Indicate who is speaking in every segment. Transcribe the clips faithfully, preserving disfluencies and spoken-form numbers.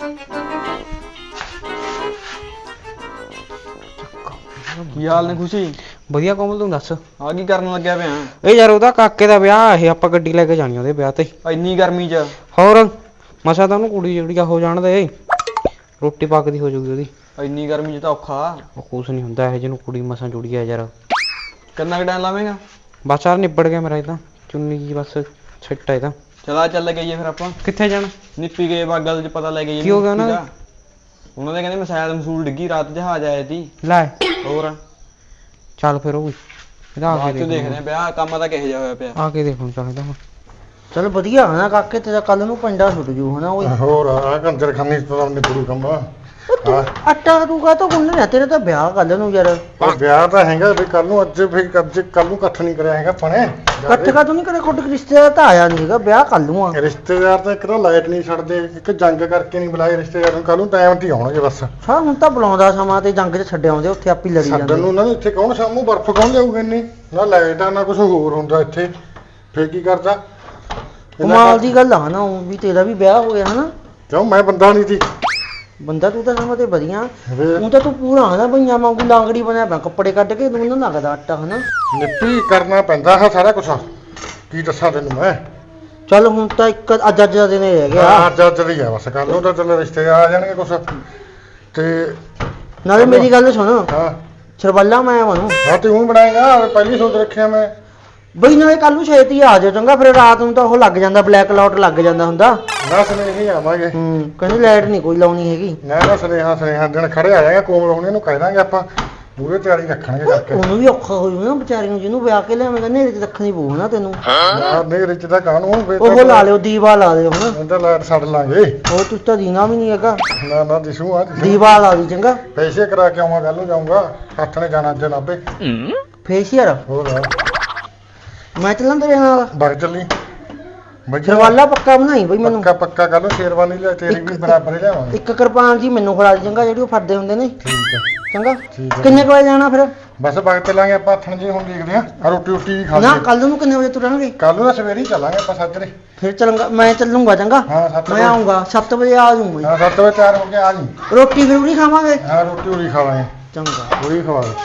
Speaker 1: ਕੀ ਹਾਲ ਨੇ ਖੁਸ਼ੀ?
Speaker 2: ਵਧੀਆ ਕੋਮਲ, ਤੂੰ ਦੱਸ
Speaker 1: ਆ ਕੀ ਕਰਨ ਲੱਗਿਆ ਪਿਆ?
Speaker 2: ਇਹ ਯਾਰ ਉਹਦਾ ਕਾਕੇ ਦਾ ਵਿਆਹ ਇਹ ਆਪਾਂ ਗੱਡੀ ਲੈ ਕੇ ਜਾਣੀ ਉਹਦੇ ਵਿਆਹ ਤੇ।
Speaker 1: ਇੰਨੀ ਗਰਮੀ ਚ?
Speaker 2: ਹੋਰ ਮਸਾ ਤਾਂ ਉਹਨੂੰ ਕੁੜੀ ਜਿਹੜੀ ਹੋ ਜਾਣ ਦੇ, ਰੋਟੀ ਪੱਕਦੀ ਹੋ ਜਾਊਗੀ ਉਹਦੀ।
Speaker 1: ਇੰਨੀ ਗਰਮੀ ਚ ਤਾਂ ਔਖਾ।
Speaker 2: ਉਹ ਕੁਛ ਨਹੀਂ ਹੁੰਦਾ ਇਹ ਜਿਹਨੂੰ ਕੁੜੀ ਮਸਾਂ ਜੁੜੀ ਆ ਯਾਰ।
Speaker 1: ਕਿੰਨਾ ਕੁ ਟਾਈਮ ਲਾਵੇਂਗਾ?
Speaker 2: ਬਸ ਯਾਰ ਨਿਬੜ ਗਿਆ ਮੇਰਾ, ਇਹ ਤਾਂ ਚੁੰਨੀ ਜੀ ਬਸ ਛਿੱਟ ਆ ਇਹ ਤਾਂ।
Speaker 1: ਚਲਾ ਚੱਲ ਗਈਏ ਫਿਰ ਆਪਾਂ।
Speaker 2: ਕਿੱਥੇ ਜਾਣਾ?
Speaker 1: ਨਿੱਪੀ ਗਏ ਬਾਗਲ ਚ ਪਤਾ ਲੈ ਗਏ।
Speaker 2: ਕੀ ਹੋ ਗਿਆ ਉਹਨਾਂ ਦਾ?
Speaker 1: ਉਹਨਾਂ ਦੇ ਕਹਿੰਦੇ ਮਿਸਾਈਲ ਮਸੂਲ ਡਿੱਗੀ ਰਾਤ, ਜਹਾਜ਼ ਆਇਆ ਸੀ।
Speaker 2: ਲੈ
Speaker 1: ਹੋਰ
Speaker 2: ਚੱਲ ਫਿਰ ਉਹ ਇਹਦਾ ਆ
Speaker 1: ਬਾਅਦ
Speaker 2: ਕੇ
Speaker 1: ਚ ਦੇਖਦੇ ਆ ਵਿਆਹ ਕੰਮ ਤਾਂ ਕਿਹੋ ਜਿਹਾ ਹੋਇਆ ਪਿਆ।
Speaker 2: ਆ ਕੇ ਦੇਖਣ ਚਾਹੀਦਾ ਹੁਣ।
Speaker 3: ਚਲ ਵਧੀਆ ਹਨਾ ਕਾਕੇ, ਤੇਰਾ ਕੱਲ ਨੂੰ ਪੰਡਾ ਛੁੱਟ ਜੂ ਹਨਾ ਓਏ।
Speaker 4: ਹੋਰ ਆ ਕੰਜਰ ਖਾਨੀ ਤੋਂ ਨਿਬੜੂ ਕੰਮ।
Speaker 3: ਤੂੰ ਆਟਾ ਤੂੰ ਕਾ ਤੋਂ ਗੁੰਨ ਲਿਆ, ਤੇਰਾ ਤਾਂ ਵਿਆਹ ਕੱਲ ਨੂੰ ਯਾਰ।
Speaker 4: ਉਹ ਵਿਆਹ ਤਾਂ ਹੈਗਾ ਵੀ ਕੱਲ ਨੂੰ, ਅੱਜ ਫਿਰ ਅੱਜ ਕੱਲ ਨੂੰ ਇਕੱਠ ਨਹੀਂ ਕਰਿਆ ਹੈਗਾ ਪਣੇ।
Speaker 3: ਇਕੱਠ ਕਾ ਤੂੰ ਨਹੀਂ ਕਰੇ, ਕੁੱਟ ਰਿਸ਼ਤੇਦਾਰ ਤਾਂ ਆਇਆ ਨਹੀਂ ਹੈਗਾ, ਵਿਆਹ ਕੱਲ ਨੂੰ ਆ।
Speaker 4: ਰਿਸ਼ਤੇਦਾਰ ਤਾਂ ਇੱਕ ਤਾਂ ਲਾਈਟ ਨਹੀਂ ਛੱਡਦੇ, ਇੱਕ ਜੰਗ ਕਰਕੇ ਨਹੀਂ ਬੁਲਾਏ ਰਿਸ਼ਤੇਦਾਰ ਨੂੰ। ਕੱਲ ਨੂੰ ਟਾਈਮ ਤੇ ਆਉਣਗੇ ਬਸ।
Speaker 3: ਹਾਂ ਹੁਣ ਤਾਂ ਬੁਲਾਉਂਦਾ ਸਮਾਂ ਤੇ ਜੰਗ 'ਚ ਛੱਡ ਆਉਂਦੇ, ਉੱਥੇ ਆਪੀ ਲੜੀ
Speaker 4: ਛੱਡਣ
Speaker 3: ਜਾਂਦੇ।
Speaker 4: ਨੂੰ ਉਹਨਾਂ ਨੂੰ ਇੱਥੇ ਕੌਣ ਸਾਹਮਣੇ ਬਰਫ਼ ਕੌਣ ਲਿਆਊਗਾ ਇੰਨੀ? ਨਾ ਲਾਈਟ ਆ ਨਾ ਕੁਝ ਹੋਰ ਹੁੰਦਾ ਇੱਥੇ, ਫੇਰ ਕੀ ਕਰਦਾ?
Speaker 3: ਕਮਾਲ ਦੀ ਗੱਲ ਆ ਨਾ, ਉਹ ਵੀ ਤੇਰਾ ਵੀ ਵਿਆਹ ਹੋ ਗਿਆ ਹਨਾ।
Speaker 4: ਕਿਉਂ ਮੈਂ ਬੰਦਾ ਨਹੀਂ ਸੀ?
Speaker 3: ਬੰਦਾ ਤੂੰ ਤਾਂ ਸਮਾਂ ਤੇ ਵਧੀਆ।
Speaker 4: ਫੇਰ
Speaker 3: ਉਹ ਤਾਂ ਤੂੰ ਪੂਰਾ ਹਨਾ ਬਈਆਂ ਵਾਂਗੂ ਲਾਂਗੜੀ ਬਣਿਆ ਪਿਆ, ਕੱਪੜੇ ਕੱਢ ਕੇ ਤੂੰ ਨਾ ਲੱਗਦਾ ਆਟਾ ਹਨਾ।
Speaker 4: ਨਿੱਪੀ ਕਰਨਾ ਪੈਂਦਾ ਹੈ ਸਾਰਾ ਕੁਝ, ਕੀ ਦੱਸਾਂ ਤੈਨੂੰ ਮੈਂ।
Speaker 3: ਚੱਲ ਹੁਣ ਤਾਂ ਇੱਕ ਅੱਜ ਅੱਜ ਦਾ ਦਿਨ ਹੀ ਰਹਿ ਗਿਆ।
Speaker 4: ਹਾਂ ਅੱਜ ਅੱਜ ਦੀ ਆ ਬਸ, ਕੱਲ ਨੂੰ ਤਾਂ ਚੱਲ ਰਿਸ਼ਤੇਦਾਰ ਆ ਜਾਣਗੇ ਕੁਛ ਤੇ।
Speaker 3: ਨਾਲੇ ਮੇਰੀ ਗੱਲ ਸੁਣ,
Speaker 4: ਹਾਂ
Speaker 3: ਸਰਬੱਲਾ ਮੈਂ ਬਣੂ
Speaker 4: ਹਾਂ ਤੂੰ ਬਣਾਏਗਾ, ਪਹਿਲੀ ਸੋਚ ਰੱਖਿਆ ਮੈਂ।
Speaker 3: ਬਈ ਨਾਲੇ ਕੱਲ ਨੂੰ ਛੇਤੀ ਆ ਜਾਓ ਚੰਗਾ, ਫਿਰ ਰਾਤ ਨੂੰ ਤਾਂ ਉਹ ਲੱਗ ਜਾਂਦਾ, ਬਲੈਕ ਆਊਟ ਲੱਗ ਜਾਂਦਾ ਹੁੰਦਾ।
Speaker 4: ਨਾ ਸੁਨੇਹੀ ਆਵਾਂਗੇ।
Speaker 3: ਹੂੰ ਕਹਿੰਦੇ ਲਾਈਟ ਨਹੀਂ ਕੋਈ ਲਾਉਣੀ ਹੈਗੀ।
Speaker 4: ਨਾ ਨਾ ਸੁਨੇਹਾ ਸੁਨੇਹਾ ਦਿਨ ਖੜੇ ਆ ਜਾਏਗਾ, ਕੋਮਲ ਹੋਣੇ ਨੂੰ ਕਹਿ ਦਾਂਗੇ ਆਪਾਂ, ਪੂਰੇ ਤਿਆਰੀ ਰੱਖਣਗੇ ਕਰਕੇ।
Speaker 3: ਉਹਨੂੰ ਵੀ ਔਖਾ ਹੋ ਜੂ ਨਾ ਵਿਚਾਰੀ ਨੂੰ, ਜਿਹਨੂੰ ਵਿਆਹ ਕੇ ਲਿਆਵੇਂਗਾ ਨੇਰੇ 'ਚ ਰੱਖਣੀ ਪਊ ਨਾ ਤੈਨੂੰ।
Speaker 4: ਯਾਰ ਨਹੀਂ ਰਿਚ ਦਾ ਕਾਹਨੂੰ
Speaker 3: ਉਹ ਲਾ ਲਿਓ, ਦੀਵਾ ਲਾ ਲਿਓ ਹਨਾ।
Speaker 4: ਇਹਦਾ ਲਾਈਟ ਛੱਡ ਲਾਂਗੇ।
Speaker 3: ਉਹ ਤੂੰ ਤਾਂ ਦੀਨਾ ਵੀ ਨਹੀਂ ਹੈਗਾ,
Speaker 4: ਨਾ ਨਾ ਦਿਸੂ ਆ ਦਿਸੂ।
Speaker 3: ਦੀਵਾ ਲਾ ਦੀ ਚੰਗਾ।
Speaker 4: ਪੈਸੇ ਕਰਾ ਕੇ ਆਵਾਂ, ਕੱਲ ਨੂੰ ਜਾਊਂਗਾ, ਹੱਥ ਨੇ ਜਾਣਾ ਅੱਜ ਨਾਭੇ।
Speaker 3: ਫੇਸ਼ੀਅਰ
Speaker 4: ਹੋਰ
Speaker 3: ਮੈਂ ਚੱਲਾਂ ਤੇਰੇ ਨਾਲ।
Speaker 4: ਬਗ ਚੱਲੀ ਬੱਜਾ
Speaker 3: ਸਰਵਾਲਾ ਪੱਕਾ ਬਣਾਈ ਬਈ ਮੈਨੂੰ।
Speaker 4: ਪੱਕਾ ਪੱਕਾ ਕੱਲ ਨੂੰ ਸ਼ੇਰਵਾਨੀ ਲਿਆ, ਤੇਰੀ ਵੀ ਬਰਾਬਰ ਹੀ ਲਿਆਵਾਂਗੇ।
Speaker 3: ਇੱਕ ਕਿਰਪਾਨ ਜੀ ਮੈਨੂੰ ਫੜਾ ਦੀ ਚੰਗਾ, ਜਿਹੜੀ ਉਹ ਫੜਦੇ ਹੁੰਦੇ ਨੇ।
Speaker 4: ਠੀਕ ਹੈ
Speaker 3: ਚੰਗਾ
Speaker 4: ਠੀਕ ਹੈ।
Speaker 3: ਕਿੰਨੇ ਕੁ ਵਜੇ ਜਾਣਾ ਫਿਰ?
Speaker 4: ਬਸ ਬਗ ਚੱਲਾਂਗੇ ਆਪਾਂ, ਹੱਥਣ ਜੀ ਹੁਣ ਦੇਖਦੇ ਆ, ਆ ਰੋਟੀ ਰੋਟੀ ਵੀ ਖਾ
Speaker 3: ਨਾ
Speaker 4: ਲਈਏ।
Speaker 3: ਕੱਲ ਨੂੰ ਕਿੰਨੇ ਵਜੇ ਤੁਰਾਂਗੇ?
Speaker 4: ਕੱਲ ਨੂੰ ਤਾਂ ਸਵੇਰੇ ਹੀ ਚੱਲਾਂਗੇ ਆਪਾਂ ਸਾਜਰੇ।
Speaker 3: ਫਿਰ ਚੱਲਾਂਗਾ, ਮੈਂ ਚੱਲੂੰਗਾ ਚੰਗਾ।
Speaker 4: ਹਾਂ ਸੱਤ
Speaker 3: ਮੈਂ
Speaker 4: ਵਜੇ
Speaker 3: ਆਉਂਗਾ ਸੱਤ ਵਜੇ ਆ ਜਾਊਂ ਮੈਂ।
Speaker 4: ਹਾਂ ਸੱਤ ਵਜੇ ਤਿਆਰ ਹੋ ਕੇ ਆ ਜੀ।
Speaker 3: ਰੋਟੀ ਜ਼ਰੂਰੀ ਖਾਵਾਂਗੇ।
Speaker 4: ਹਾਂ ਰੋਟੀ ਉਰੀ ਖਾਵਾਂਗੇ,
Speaker 3: ਚੰਗਾ
Speaker 4: ਉਰੀ ਖਵਾ ਦੇ।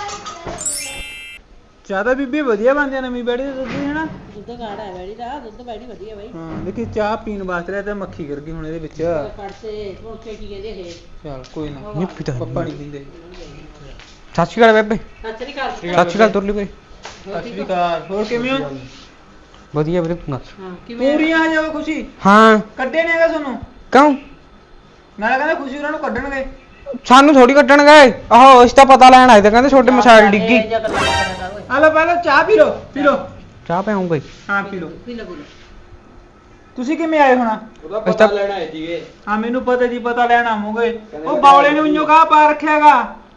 Speaker 1: ਚਾਹ ਤਾਂ ਬੀਬੀ ਵਧੀਆ ਬਣਦੀ ਆ ਨਵੀਂ ਬੈੜੀ ਦੇ ਦੁੱਧ ਦੀ ਹਨਾ।
Speaker 5: ਦੁੱਧ ਗਾੜਾ ਹੈ ਬੈੜੀ ਦਾ, ਦੁੱਧ ਬੈੜੀ ਵਧੀਆ ਬਾਈ।
Speaker 1: ਹਾਂ ਦੇਖੀ ਚਾਹ ਪੀਣ ਵਾਸਤੇ ਰਿਹਾ ਤੇ ਮੱਖੀ ਕਰ ਗਈ ਹੁਣ ਇਹਦੇ ਵਿੱਚ।
Speaker 5: ਕੜਸੇ ਪੋਚੇ ਕੀ ਕਹਿੰਦੇ ਇਹ।
Speaker 1: ਚਲ ਕੋਈ ਨਾ,
Speaker 2: ਨਿੱਪੀ ਤਾਂ
Speaker 1: ਪੱਪਾ ਨਹੀਂ ਪੀਂਦੇ।
Speaker 2: ਸਤਿ ਸ਼੍ਰੀ ਅਕਾਲ ਬੇਬੇ।
Speaker 5: ਸਤਿ ਸ੍ਰੀ ਅਕਾਲ।
Speaker 2: ਸਤਿ ਸ਼੍ਰੀ ਅਕਾਲ ਤੁਰਲੀ ਵੀਰੇ।
Speaker 1: ਸਤਿ ਸ਼੍ਰੀ ਅਕਾਲ, ਹੋਰ ਕਿਵੇਂ ਹੋ?
Speaker 2: ਵਧੀਆ ਵੀਰੇ, ਤੂੰ ਦੱਸ।
Speaker 5: ਹਾਂ ਕਿਵੇਂ?
Speaker 1: ਪੂਰੀਆਂ ਆ ਜਾਓ ਖੁਸ਼ੀ।
Speaker 2: ਹਾਂ
Speaker 1: ਕੱਢੇ ਨੇ ਹੈਗਾ ਤੁਹਾਨੂੰ?
Speaker 2: ਕਿਉਂ?
Speaker 1: ਮੈਂ ਕਹਿੰਦਾ ਖੁਸ਼ੀ ਉਹਨਾਂ ਨੂੰ ਕੱਢਣਗੇ।
Speaker 2: ਸਾਨੂੰ ਥੋੜੀ ਕੱਢਣ ਗਏ, ਆਹੋ ਇਸ ਤਾਂ ਪਤਾ ਲੈਣ ਆਏ ਤੇ ਕਹਿੰਦੇ ਛੋਟੇ ਮਿਸਾਈਲ ਡਿੱਗੀ।
Speaker 5: ਇਹ ਜਿਹਾ ਗੱਲਾਂ ਕਰਿਆ ਕਰ ਓਏ।
Speaker 1: ਆ ਲਓ ਪਹਿਲਾਂ ਚਾਹ ਪੀ ਲਓ, ਪੀ ਲਓ।
Speaker 2: ਚਾਹ ਪਿਆਉਂਗਾ ਹੀ।
Speaker 1: ਹਾਂ ਪੀ ਲਓ।
Speaker 5: ਪੀ ਲੈ ਪੀ ਲੈ।
Speaker 1: ਤੁਸੀਂ ਕਿਵੇਂ ਆਏ ਹੋਣਾ?
Speaker 2: ਉਹਦਾ ਪਤਾ
Speaker 1: ਲੈਣ ਆਏ ਸੀਗੇ। ਹਾਂ ਮੈਨੂੰ ਪਤਾ ਜੀ, ਪਤਾ ਲੈਣ ਆਵਾਂਗੇ। ਉਹ ਬਾਵਲੇ ਨੇ ਉਈਓ ਕਾ ਪਾ ਰੱਖਿਆਗਾ।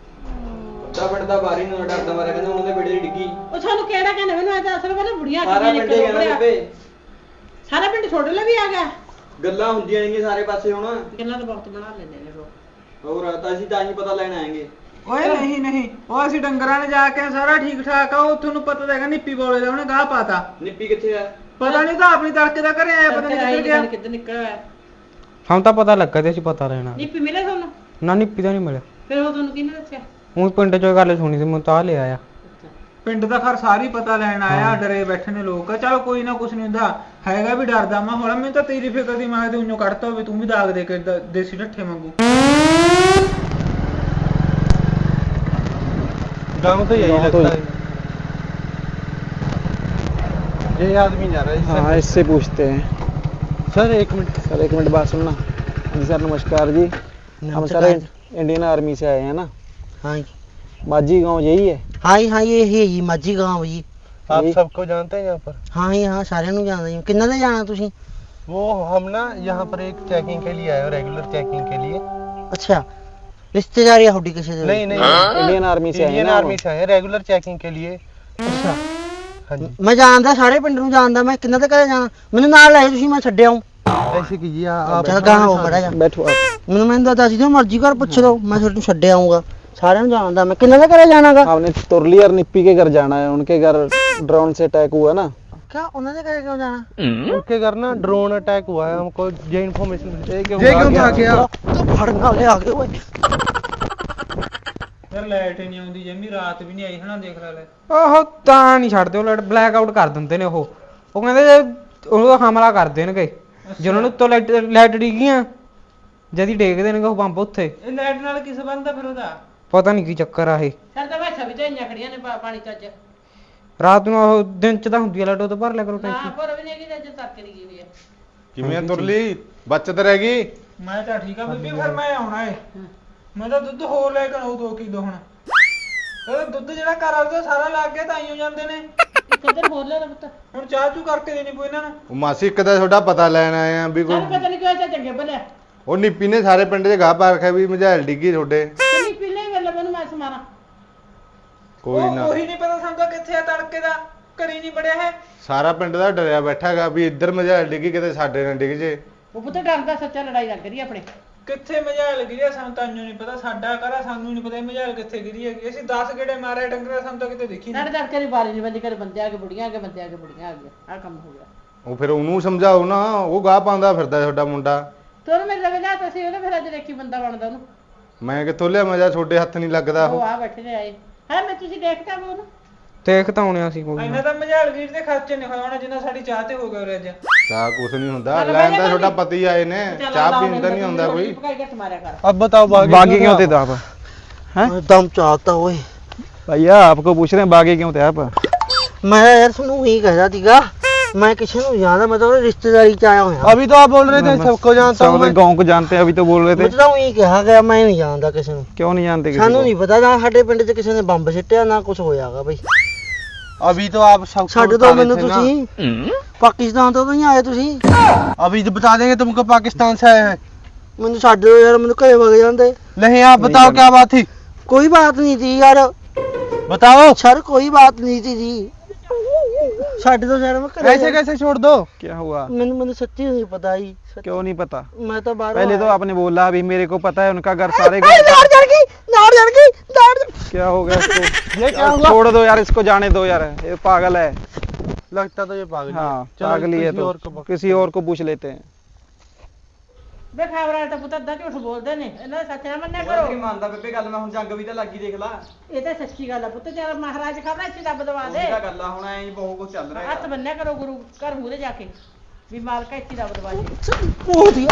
Speaker 6: ਦਾ ਵੱਡਾ ਬਾਰੀ ਨੂੰ ਡਰਦਾ ਮਾਰਿਆ, ਕਹਿੰਦਾ ਉਹਨਾਂ ਦੇ ਬੇੜੇ ਡਿੱਗੀ।
Speaker 5: ਉਹ ਤੁਹਾਨੂੰ ਕਿਹੜਾ ਕਹਿੰਦਾ ਮੈਨੂੰ? ਐ ਤਾਂ ਅਸਲ ਵਿੱਚ ਬੁੜੀਆਂ
Speaker 6: ਸਾਰਾ
Speaker 5: ਕਿੰਨੀਆਂ
Speaker 6: ਪਿੰਡ ਹੀ ਕਹਿੰਦਾ
Speaker 5: ਨਿਕਲ
Speaker 6: ਬੇਬੇ।
Speaker 5: ਸਾਰਾ ਪਿੰਡ ਛੋਟੇ ਲਈ ਵੀ ਆ ਗਿਆ।
Speaker 6: ਗੱਲਾਂ ਹੁੰਦੀਆਂ ਨੇ ਸਾਰੇ ਪਾਸੇ ਹੁਣ।
Speaker 5: ਗੱਲਾਂ ਤਾਂ ਬਹੁਤ ਬਣਾ ਲੈਂਦੇ ਨੇ ਲੋਕ।
Speaker 6: ਹੋਰ ਤਾਂ ਅਸੀਂ ਤਾਂ ਹੀ ਪਤਾ ਲੈਣ ਆਏਗੇ।
Speaker 1: ਓਏ ਨਹੀਂ ਨਹੀਂ, ਉਹ ਅਸੀਂ ਡੰਗਰਾਂ ਨੇ ਜਾ ਕੇ ਸਾਰਾ ਠੀਕ ਠਾਕ ਆ। ਉਹ ਤੁਹਾਨੂੰ ਪਤਾ ਤਾਂ ਹੈਗਾ ਨਿੱਪੀ ਬੋਲੇ ਦਾ ਉਹਨੇ ਗਾਹ ਪਾਤਾ।
Speaker 6: ਨਿੱਪੀ ਕਿੱਥੇ ਆ?
Speaker 1: ਪਤਾ ਨਹੀਂ, ਤਾਂ ਆਪਣੀ ਤੜਕੇ ਦਾ ਘਰੇ ਆਇਆ, ਪਤਾ ਨਹੀਂ ਕਿੱਧਰ ਗਿਆ।
Speaker 5: ਕਿੱਧਰ ਨਿਕਲਿਆ ਹੋਇਆ?
Speaker 2: ਸਾਨੂੰ ਤਾਂ ਪਤਾ ਲੱਗਾ ਤੇ ਅਸੀਂ ਪਤਾ ਲੈਣਾ।
Speaker 5: ਨੀਪੀ ਮਿਲੇ ਤੁਹਾਨੂੰ?
Speaker 2: ਨਾ ਨਿੱਪੀ ਦਾ ਨਹੀਂ ਮਿਲਿਆ।
Speaker 5: ਫਿਰ ਉਹ ਤੁਹਾਨੂੰ ਕਿਹਨੇ ਦੱਸਿਆ?
Speaker 2: ਹੁਣ ਪਿੰਡ ਚੋਂ ਗੱਲ ਸੁਣੀ ਸੀ, ਮੈਂ ਤਾਂ ਲਿਆ ਆ।
Speaker 1: ਪਿੰਡ ਦਾ ਘਰ ਸਾਰੀ ਪਤਾ ਲੈਣ ਆਇਆ, ਡਰੇ ਬੈਠੇ ਨੇ ਲੋਕ। ਚਲ ਕੋਈ ਨਾ, ਕੁਛ ਨਹੀਂ ਹੁੰਦਾ ਹੈਗਾ, ਵੀ ਡਰਦਾ ਮੈਂ ਹੁਣ। ਮੈਨੂੰ ਤਾਂ ਤੇਰੀ ਫਿਕਰ ਦੀ, ਮੈਂ ਤੇ ਉਹਨੂੰ ਕੱਢਤਾ ਹੋਵੇ, ਤੂੰ ਵੀ ਦਾਗ ਦੇ ਕੇ ਦ- ਦੇਸੀ ਢੱਠੇ ਵਾਂਗੂ।
Speaker 6: गाँव तो यही लगता है। ये आदमी जा रहा है।
Speaker 7: हाँ इससे पूछते हैं।
Speaker 6: सर एक मिनट।
Speaker 7: सर एक मिनट बात सुनना। जी सर नमस्कार जी। हम सर इंडियन आर्मी से आए हैं ना।
Speaker 3: हाँ
Speaker 7: माझी गांव यही है?
Speaker 3: हाँ हाँ ये ही है जी, माझी गाँव जी।
Speaker 6: आप
Speaker 7: यही?
Speaker 6: सबको जानते हैं यहाँ पर?
Speaker 3: हाँ जी हाँ, सारे ਨੂੰ ਜਾਣਦਾ ਜੀ। ਕਿੰਨਾ ਦੇ ਜਾਣਾ ਤੁਸੀਂ?
Speaker 6: वो हम ना यहाँ पर एक चेकिंग के लिए आए हो, रेगुलर चेकिंग के लिए।
Speaker 3: ਅੱਛਾ ਰਿਸ਼ਤੇਦਾਰੀ ਆ ਤੁਹਾਡੀ ਕਿਸੇ ਦੇ?
Speaker 6: नहीं नहीं,
Speaker 7: इंडियन आर्मी से आए हैं
Speaker 6: इंडियन
Speaker 7: ना
Speaker 6: आर्मी से आए रेगुलर चेकिंग के लिए।
Speaker 3: ਅੱਛਾ
Speaker 6: हाँ जी।
Speaker 3: ਮੈਂ ਜਾਣਦਾ, ਸਾਰੇ ਪਿੰਡ ਨੂੰ ਜਾਣਦਾ ਮੈਂ। ਕਿੰਨਾ ਦੇ ਘਰੇ ਜਾਣਾ? ਮੈਨੂੰ ਨਾਲ ਲੈ ਤੁਸੀਂ, ਮੈਂ ਛੱਡ ਆਊਂ।
Speaker 6: ऐसे कीजिए आप।
Speaker 3: ਚੱਲ ਗਾਹਾਂ ਹੋ ਮੜਾ ਜਾ।
Speaker 7: बैठो आप।
Speaker 3: ਮੈਨੂੰ ਮੈਨੂੰ ਦੱਸ ਦਿਓ, ਮਰਜ਼ੀ ਘਰ ਪੁੱਛ ਲਓ, ਮੈਂ ਤੁਹਾਨੂੰ ਛੱਡ ਆਊਂਗਾ। ਸਾਰਿਆਂ ਨੂੰ ਜਾਣਦਾ मैं। ਕਿੰਨਾ ਦੇ ਘਰੇ ਜਾਣਾਗਾ?
Speaker 7: आपने तुरली और निप्पी के घर जाना है। उनके घर ड्रोन से अटैक हुआ ना।
Speaker 3: क्या ਉਹਨਾਂ ਦੇ ਘਰੇ ਕਿਉਂ ਜਾਣਾ?
Speaker 6: उनके घर ना ड्रोन अटैक हुआ है, हमको ये इन्फॉर्मेशन।
Speaker 7: ये क्यों भाग गया?
Speaker 3: ਫੜਨ ਵਾਲੇ ਆ ਗਏ ਓਏ।
Speaker 1: ਯਾਰ ਲਾਈਟ ਹੀ ਨਹੀਂ ਆਉਂਦੀ ਜੰਮੀ, ਰਾਤ ਵੀ ਨਹੀਂ ਆਈ ਹਨਾ, ਦੇਖ ਲੈ ਲੈ।
Speaker 2: ਉਹ ਤਾਂ ਨਹੀਂ ਛੱਡਦੇ, ਉਹ ਲਾਈਟ ਬਲੈਕ ਆਊਟ ਕਰ ਦਿੰਦੇ ਨੇ। ਉਹ ਉਹ ਕਹਿੰਦੇ ਜੇ ਉਹ ਹਮਲਾ ਕਰ ਦੇਣਗੇ ਜੇ ਉਹਨਾਂ ਨੂੰ ਉੱਤੋਂ ਲਾਈਟ ਲਾਈਟ ਡਿੱਗੀਆਂ, ਜਦੀ ਡੇਗ ਦੇਣਗੇ ਉਹ ਬੰਬ ਉੱਥੇ।
Speaker 1: ਇਹ ਲਾਈਟ ਨਾਲ ਕੀ ਸੰਬੰਧ ਆ ਫਿਰ ਉਹਦਾ?
Speaker 2: ਪਤਾ ਨਹੀਂ ਕੀ ਚੱਕਰ ਆ ਇਹ।
Speaker 5: ਸਾਡੇ ਤਾਂ ਭਾਸ਼ਾ ਵੀ ਝਾਈਆਂ ਖੜੀਆਂ ਨੇ ਪਾ- ਪਾਣੀ ਚ ਅੱਜ।
Speaker 2: ਰਾਤ ਨੂੰ ਉਹ ਦਿਨ ਚ ਤਾਂ ਹੁੰਦੀ ਆ ਲਾਈਟ, ਉਹ ਤੋਂ ਭਰ ਲਿਆ ਕਰੋ
Speaker 5: ਨਾ
Speaker 2: ਟੈਂਕੀ।
Speaker 5: ਪਰ ਵੀ ਨਹੀਂ ਹੈਗੀ, ਅੱਜ ਤੱਕ ਨਹੀਂ ਗਈ ਹੋਈ ਹੈ।
Speaker 6: ਕਿਵੇਂ ਤੁਰਲੀ ਬਚਤ ਰਹਿ ਗਈ।
Speaker 1: ਮੈਂ ਤਾਂ ਠੀਕ ਆ ਬੀਬੀ, ਫਿਰ ਮੈਂ ਆਉਣਾ ਏ। ਮੈਂ ਤਾਂ ਦੁੱਧ ਹੋਰ ਲੈ ਕੇ ਆਉਂ ਦੋ ਕਿਲੋ ਹੁਣ। ਉਹ ਦੁੱਧ ਜਿਹੜਾ ਘਰ ਆਉਂਦਾ ਸਾਰਾ ਲੱਗ ਗਿਆ, ਤਾਂ ਹੀ ਹੋ ਜਾਂਦੇ ਨੇ।
Speaker 5: ਇੱਕ ਦਿਨ ਹੋਰ ਲੈ ਲੈ ਪੁੱਤ।
Speaker 1: ਹੁਣ ਚਾਹ ਚੂ ਕਰਕੇ ਦੇਣੀ ਪਊ ਇਹਨਾਂ ਨੂੰ।
Speaker 6: ਉਹ ਮਾਸੀ ਇੱਕ ਤਾਂ ਤੁਹਾਡਾ ਪਤਾ ਲੈਣ ਆਏ ਆ ਵੀ
Speaker 5: ਸਾਨੂੰ
Speaker 6: ਕੋਈ
Speaker 5: ਪਤਾ ਨਹੀਂ ਕਿਉਂ ਚਾ ਚੰਗੇ ਭਲੇ
Speaker 6: ਉਹ ਨਿੱਪੀ ਨੇ ਸਾਰੇ ਪਿੰਡ 'ਚ ਗਾਹ ਪਾ ਰੱਖਿਆ ਵੀ ਮਝੈਲ ਡਿੱਗੀ ਤੁਹਾਡੇ।
Speaker 5: ਕਿੰਨੀ ਪੀਲੇ ਵੇਲੇ ਮੈਨੂੰ ਮੈਂ ਸਮਾਰਾ
Speaker 6: ਕੋਈ
Speaker 1: ਉਹ
Speaker 6: ਨਾ,
Speaker 1: ਉਹੀ ਨਹੀਂ ਪਤਾ ਸਾਨੂੰ ਤਾਂ ਕਿੱਥੇ ਆ ਤੜਕੇ ਦਾ, ਘਰੀ ਨਹੀਂ ਬੜਿਆ ਹੈ।
Speaker 6: ਸਾਰਾ ਪਿੰਡ ਦਾ ਡਰਿਆ ਬੈਠਾਗਾ ਵੀ ਇੱਧਰ ਮਝੈਲ ਡਿੱਗੀ ਕਿਤੇ ਸਾਡੇ ਨਾਲ ਡਿੱਗ ਜੇ।
Speaker 5: ਉਹ ਪੁੱਤ ਡਰਦਾ ਸੱਚਾ ਲੜਾਈ ਲੱਗ ਰਹੀ ਆਪਣੇ।
Speaker 1: ਕਿੱਥੇ ਮਝਾਲ ਗਿਰੀ ਆ, ਸਾਨੂੰ ਤਾਂ ਇੰਨੂ ਨਹੀਂ ਪਤਾ। ਸਾਡਾ ਘਰ ਸਾਨੂੰ ਨਹੀਂ ਪਤਾ ਮਝਾਲ ਕਿੱਥੇ ਗਿਰੀ ਹੈਗੀ। ਅਸੀਂ ਦਸ ਗੇੜੇ ਮਾਰੇ ਡੰਗਰਾਂ, ਸਾਨੂੰ ਤਾਂ ਕਿਤੇ ਦੇਖੀ
Speaker 5: ਲੜ
Speaker 1: ਨਹੀਂ।
Speaker 5: ਲੜ ਕੇ ਬਾਰੀ ਨਹੀਂ ਬੰਦੀ ਕਰ, ਬੰਦੇ ਆ ਕੇ ਬੁੜੀਆਂ ਆ ਕੇ ਬੰਦੇ ਆ ਕੇ ਬੁੜੀਆਂ ਆ ਗਈਆਂ। ਆਹ ਕੰਮ ਹੋ ਗਿਆ।
Speaker 6: ਉਹ ਫਿਰ ਉਹਨੂੰ ਸਮਝਾਓ ਨਾ, ਉਹ ਗਾਹ ਪਾਉਂਦਾ ਫਿਰਦਾ ਤੁਹਾਡਾ ਮੁੰਡਾ।
Speaker 5: ਤੋਰ ਮੇਰੇ ਲਵੇ ਲਿਆ ਤਾਂ ਸੀ ਉਹਨੇ, ਫਿਰ ਅੱਜ ਦੇਖੀ ਬੰਦਾ ਬਣਦਾ ਉਹਨੂੰ।
Speaker 6: ਮੈਂ ਕਿੱਥੋਂ ਲਿਆ ਮਜ਼ਾ, ਤੁਹਾਡੇ ਹੱਥ ਨਹੀਂ ਲੱਗਦਾ
Speaker 5: ਉਹ
Speaker 6: ਉਹ।
Speaker 5: ਆ ਬੈਠੇ ਨੇ ਆਏ ਹੈ। ਮੈਂ ਤੁਸੀਂ ਦੇਖਤਾ ਵੀ ਉਹਨੂੰ।
Speaker 2: ਦੇਖ ਤਾਂ ਆਉਣਿਆ ਸੀ ਕੋਈ
Speaker 1: ਇੰਨਾ
Speaker 2: ਨਾ।
Speaker 1: ਤਾਂ ਮਝਾਲ ਗਿਰ ਦੇ ਖਰਚੇ ਨਹੀਂ ਹੋਇਆ ਹੋਣਾ ਜਿੰਨਾ ਸਾਡੀ ਚਾਹ ਤੇ ਹੋ ਗਿਆ ਉਰੇ ਅੱਜ।
Speaker 6: ਚਾਹ ਕੁਛ ਨਹੀਂ ਹੁੰਦਾ,
Speaker 5: ਚੱਲ
Speaker 6: ਲੈਣ
Speaker 5: ਬਹਿ
Speaker 6: ਦਾ
Speaker 5: ਜਾ
Speaker 6: ਤੁਹਾਡਾ
Speaker 5: ਭਾਬੀ।
Speaker 6: ਪਤੀ ਆਏ ਨੇ,
Speaker 5: ਚੱਲ
Speaker 6: ਚਾਹ
Speaker 5: ਲਾ
Speaker 6: ਪੀਣ ਦਾ
Speaker 5: ਮੈਨੂੰ
Speaker 6: ਨਹੀਂ ਆਉਂਦਾ ਕੋਈ।
Speaker 5: ਪਕਾਈ ਘੱਟ ਮਾਰਿਆ ਕਰ।
Speaker 7: अब बताओ बागी बागी क्यों थे आप? हैं
Speaker 3: दम चाहता ओए।
Speaker 7: भैया आपको पूछ रहे हैं बागी क्यों थे आप?
Speaker 3: मैं यार सुनो यही कह रहा थीगा, मैं किसी को जाना, मैं तो रिश्तेदारी च आया हूं।
Speaker 7: अभी तो आप बोल रहे थे सबको जानता हूं मैं। गांव को जानते हैं, अभी तो बोल रहे
Speaker 3: मैं
Speaker 7: थे।
Speaker 3: तो यही कहा गया, मैं नहीं जानता किसी को।
Speaker 7: क्यों नहीं जानते किसी
Speaker 3: सानू
Speaker 7: को?
Speaker 3: नहीं पता ना ਸਾਡੇ ਪਿੰਡ 'ਚ ਕਿਸੇ ਨੇ ਬੰਬ ਸਿੱਟਿਆ ਨਾ ਕੁਝ ਹੋਇਆਗਾ ਬਈ।
Speaker 7: अभी तो आप सबको
Speaker 3: ਛੱਡ
Speaker 7: बता
Speaker 3: ਦੋ
Speaker 7: रहे
Speaker 3: ਮੈਨੂੰ
Speaker 7: थे ना।
Speaker 3: ਤੁਸੀਂ, ਪਾਕਿਸਤਾਨ ਤੋਂ ਤਾਂ ਨਹੀਂ ਆਏ ਤੁਸੀਂ।
Speaker 7: अभी तो बता देंगे तुमको पाकिस्तान से आए हैं।
Speaker 3: ਮੈਨੂੰ ਛੱਡ ਦਿਓ ਯਾਰ, ਮੈਨੂੰ ਘਰੇ ਵਗ ਜਾਂਦੇ।
Speaker 7: नहीं आप बताओ क्या बात थी,
Speaker 3: ਕੋਈ ਬਾਤ ਨਹੀਂ थी यार,
Speaker 7: बताओ।
Speaker 3: सर कोई बात नहीं थी जी। ਛੱਡ ਦੋ ਯਾਰ, ਮੈਂ ਘਰੇ
Speaker 7: ऐसे कैसे छोड़ दो, क्या हुआ?
Speaker 3: ਮੈਨੂੰ ਮੈਨੂੰ ਸੱਚੀ ਨਹੀਂ ਪਤਾ ਜੀ। ਸੱਚੀ।
Speaker 7: क्यों नहीं पता?
Speaker 3: मैं तो बाहर
Speaker 7: पहले तो आपने बोला अभी मेरे को पता है उनका घर सारे
Speaker 3: नाड़
Speaker 7: घर।
Speaker 3: चढ़ गई, नाड़ चढ़ गई, नाड़ चढ़-
Speaker 7: क्या हो गया इसको? ये क्या हुआ? छोड़ दो यार इसको, जाने दो यार, ये पागल है।
Speaker 6: लगता तो ये पागल
Speaker 7: हाँ पागल ही है, तो किसी और को पूछ लेते हैं।
Speaker 5: ਵੇ ਖਬਰਾਂ ਤਾਂ ਪੁੱਤ ਅੱਧਾ ਝੂਠ ਬੋਲਦੇ ਨੇ, ਇਹਨਾਂ ਦਾ ਸੱਚ ਨਾ ਮੰਨਿਆ ਕਰੋ।
Speaker 8: ਮੰਨਦਾ ਬੇਬੇ ਗੱਲ, ਮੈਂ ਹੁਣ ਜੰਗ ਵੀ ਤਾਂ ਲੱਗੀ ਦੇਖ ਲਾ।
Speaker 5: ਇਹ ਤਾਂ ਸੱਚੀ ਗੱਲ ਆ ਪੁੱਤ, ਜਦ ਮਹਾਰਾਜ ਖਬਰਾਂ ਇੱਥੇ ਦੱਬ ਦਵਾ ਦੇ।
Speaker 8: ਉਹਦਾ ਗੱਲ ਆ, ਹੁਣ ਐਂ ਹੀ ਬਹੁਤ ਕੁਝ ਚੱਲ ਰਿਹਾ
Speaker 5: ਹੱਥ ਬੰਨਿਆ ਕਰੋ ਗੁਰੂ ਘਰ ਮੂਹਰੇ ਜਾ ਕੇ, ਵੀ ਮਾਲਕਾ ਇੱਥੇ ਦੱਬ ਦਵਾ ਦੇ।
Speaker 3: ਉਹ ਦੀ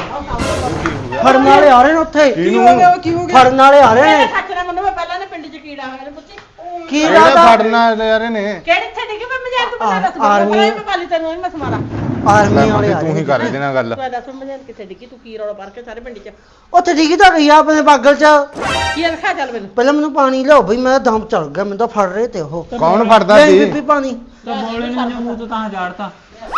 Speaker 3: ਫੜਨ ਵਾਲੇ ਆ ਰਹੇ ਨੇ ਉੱਥੇ।
Speaker 1: ਕੀ ਹੋ ਗਿਆ, ਕੀ ਹੋ ਗਿਆ?
Speaker 3: ਫੜਨ ਵਾਲੇ ਆ ਰਹੇ
Speaker 5: ਮੇਰੇ
Speaker 3: ਨੇ।
Speaker 5: ਸੱਚ ਨਾ ਮੰਨੋ, ਮੈਂ ਪਹਿਲਾਂ ਨੇ ਪਿੰਡ 'ਚ ਕੀੜਾ ਹੋਇਆ ਨੇ ਪੁੱਤੀ।
Speaker 3: ਕੀ
Speaker 6: ਇਹਦਾ
Speaker 3: ਰਾਦਾ
Speaker 6: ਫੜਨਾ ਯਾਰ ਇਹਨੇ।
Speaker 5: ਕਿਹੜੇ ਇੱਥੇ ਡਿੱਗੇ ਮੈਂ ਮਜ਼ਾਕ ਤੂੰ ਪਤਾ ਦੱਸ
Speaker 3: ਆਰਮੀ-
Speaker 5: ਮੈਂ ਮੈਂ ਕਾਲੀ ਤੈਨੂੰ ਨਹੀਂ ਮੈਂ ਸਮਾਰਾ।
Speaker 3: ਆਰਮੀ
Speaker 6: ਲੈ
Speaker 3: ਵਾਲੇ
Speaker 6: ਮਾਸੀ
Speaker 3: ਆ
Speaker 6: ਤੂੰ ਹੀ
Speaker 3: ਰਹੇ
Speaker 6: ਕਰ
Speaker 3: ਨੇ।
Speaker 6: ਇਹਦੇ ਨਾਲ ਗੱਲ।
Speaker 5: ਤੂੰ ਦੱਸ ਮਜ਼ਾਕ ਕਿੱਥੇ ਡਿੱਗੀ, ਤੂੰ ਕੀ ਰੌਲਾ ਪਾ ਕੇ ਸਾਰੇ ਪਿੰਡ 'ਚ
Speaker 3: ਉੱਥੇ ਡਿੱਗੀ ਤਾਂ ਗਈ ਆ ਆਪਣੇ ਬਾਗਲ 'ਚ।
Speaker 5: ਕੀ ਲਿਖਿਆ ਚੱਲ ਮੈਨੂੰ।
Speaker 3: ਪਹਿਲਾਂ ਮੈਨੂੰ ਪਾਣੀ ਲਿਆਓ ਬਈ, ਮੈਂ ਦਮ ਚੜ ਗਿਆ, ਮੈਨੂੰ ਤਾਂ ਫੜ ਰਹੇ ਤੇ ਉਹ।
Speaker 6: ਕੌਣ ਫੜਦਾ
Speaker 3: ਨਹੀਂ
Speaker 6: ਸੀ?
Speaker 3: ਬੀਬੀ ਪਾਣੀ।
Speaker 1: ਤਾਂ ਬੋਲੇ ਨੇ ਮੂੰਹ ਤੋਂ ਤਾਂ ਝਾੜਤਾ।